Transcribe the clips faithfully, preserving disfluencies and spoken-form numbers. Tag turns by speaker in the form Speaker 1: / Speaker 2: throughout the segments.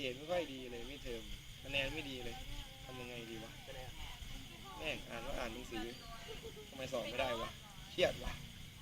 Speaker 1: รดไม่ค่อยดีเลยไม่เทอมคะแนนไม่ดีเลยทำยังไงดีวะแม่งอ่านว่าอ่านหนังสือทำไมสอบไม่ได้วะเครียดวะ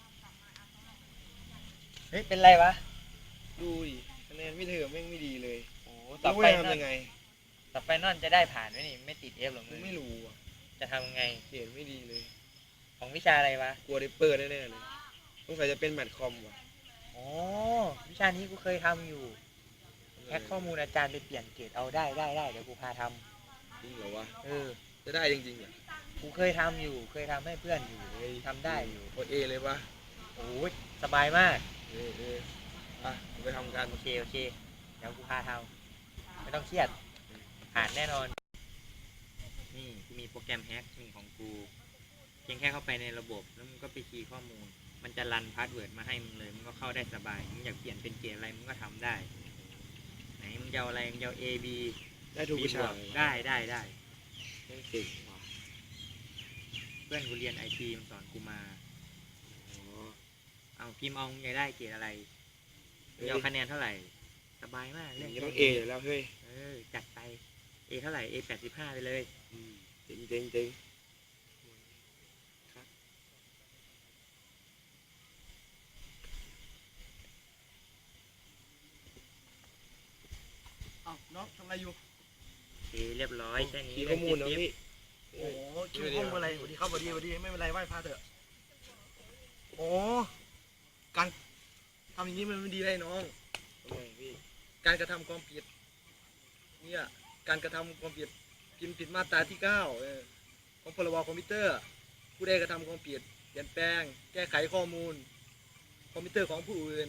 Speaker 2: เฮ้ยเป็นไรวะ
Speaker 1: ดูดิคะแนนไม่เทอมแม่งไม่ดีเลย
Speaker 2: โอ้ต่อไป
Speaker 1: ทำยังไง
Speaker 2: ต่อไปนั่นจะได้ผ่านไหมนี่ไม่ติดเอฟหรอกมึง
Speaker 1: ไม่รู้อ่ะ
Speaker 2: จะทำยังไง
Speaker 1: เกรดไม่ดีเลย
Speaker 2: ของวิชาอะไรวะ
Speaker 1: กลัวได้เปิดแน่ๆเลยสงสัยจะเป็นแมทคอมว่ะ
Speaker 2: อ๋อวิชานี้กูเคยทำอยู่แฮกข้อมูลอาจารย์ไปเปลี่ยนเกรดเอาได้ได้ได้เดี๋ยวกูพาท
Speaker 1: จริงเหรอวะ
Speaker 2: ำเออ
Speaker 1: จะได้จริงๆเหรอ
Speaker 2: กูเคยทำอยู่เคยทำให้เพื่อนอยู่ทำได้อยู่
Speaker 1: โอเอเลยวะ
Speaker 2: โอ้ยสบายมาก
Speaker 1: เออเอออ่ะไปทำกัน
Speaker 2: โอเคโอเคเดี๋ยวกูพาทำไม่ต้องเครียดผ่านแน่นอนนี่กูมีโปรแกรมแฮกหนึ่งของกูเพียงแค่เข้าไปในระบบแล้วมึงก็ไปคีย์ข้อมูลมันจะรันพาสเวิร์ดมาให้มึงเลยมึงก็เข้าได้สบายมึงอยากเปลี่ยนเป็นเกรดอะไรมึงก็ทำได้ไหนมึงจะเอาอะไรมึงจะเอา A B
Speaker 1: ได้ทุกวิชา
Speaker 2: ได้ได้ได้
Speaker 1: เก่งว่ะ
Speaker 2: เพื่อนกูเรียนไอทีมันสอนกูมา
Speaker 1: อ๋อ
Speaker 2: เอาพิมพ์เอามึงอยากได้เกรดอะไรมึงเอาคะแนนเท่าไหร่สบายมาก
Speaker 1: เรื่องต้องเอแล้วเฮ้ย
Speaker 2: เออจัดไป A เท่าไหร่ A แปดสิบห้าไปเลย
Speaker 1: เจ๋งเจ๋งเจ๋งน้องทำอะไรอยู่
Speaker 2: เอเรียบร้อยแค่นี้
Speaker 1: ข้อมูลนะพี่
Speaker 3: โอ้คิวข้อมูลอะไรสวัสดีครับสวัสดีสวัสดีไม่เป็นไรไหว้พระเถอะโอ้การทำอย่างนี้มันไม่ดีเลยน้อง
Speaker 1: ทำไมพี่
Speaker 3: การกระทำความผิดเนี่ยการกระทำความผิดพิมพ์ผิดมาตราที่เก้าของพรบคอมพิวเตอร์ผู้ใดกระทำความผิดเปลี่ยนแปลงแก้ไขข้อมูลคอมพิวเตอร์ของผู้อื่น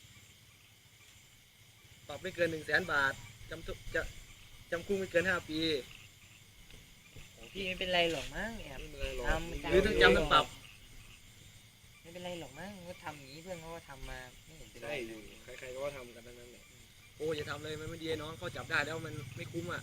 Speaker 3: ปรับไม่เกินหนึ่งแสนบาทจำจะจำคุกไม่เกินห้าปี
Speaker 2: พี่ไม่เป็นไรหรอกมั้งแอบ
Speaker 3: ทำหรือทั้งจำทั้งปรับ
Speaker 2: ไม่เป็นไรหรอกมั้งก็ทำอย่างนี้เพื่อนเขาก็ทำมาไม่เห็นเป็นไร
Speaker 1: อยู่ใครๆก็ทำกันทั้งนั้นแหละ
Speaker 3: โอ้อย่าทำเลยมันไม่ดีน้องเขาจับได้แล้วมันไม่คุ้มอ่ะ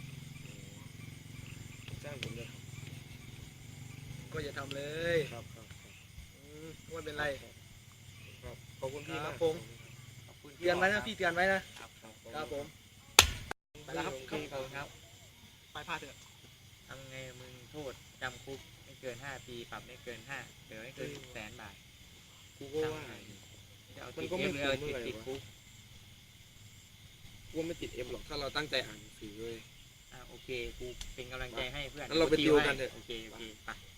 Speaker 1: จ้างผมเลย
Speaker 3: ก็อย่าทำเลย
Speaker 1: ครับครับ
Speaker 3: ไม่เป็นไร
Speaker 1: ครับขอบคุณพี่
Speaker 3: มากผมเตือนไว้นะพี่เตือนไว้นะครับครับผมไปแล้วครับ
Speaker 2: ครับ
Speaker 3: ไปพาเถอะ
Speaker 2: ทำไงมึงโทษจำคุกไม่เกินห้าปีปรับไม่เกินห้าเดี๋ยวไม่เกินแสนบาท
Speaker 1: กูก็ว่า
Speaker 2: มันก็ไม่คุ้มเลยติดคุก
Speaker 1: กูไม่ติดเอ็มหรอกถ้าเราตั้งใจอ่านหนังสือเลย
Speaker 2: อ่าโอเคกูเป็นกำลังใจให้เพื่อน
Speaker 1: เราไปติวกันเถอะ
Speaker 2: โอเคโอเคไป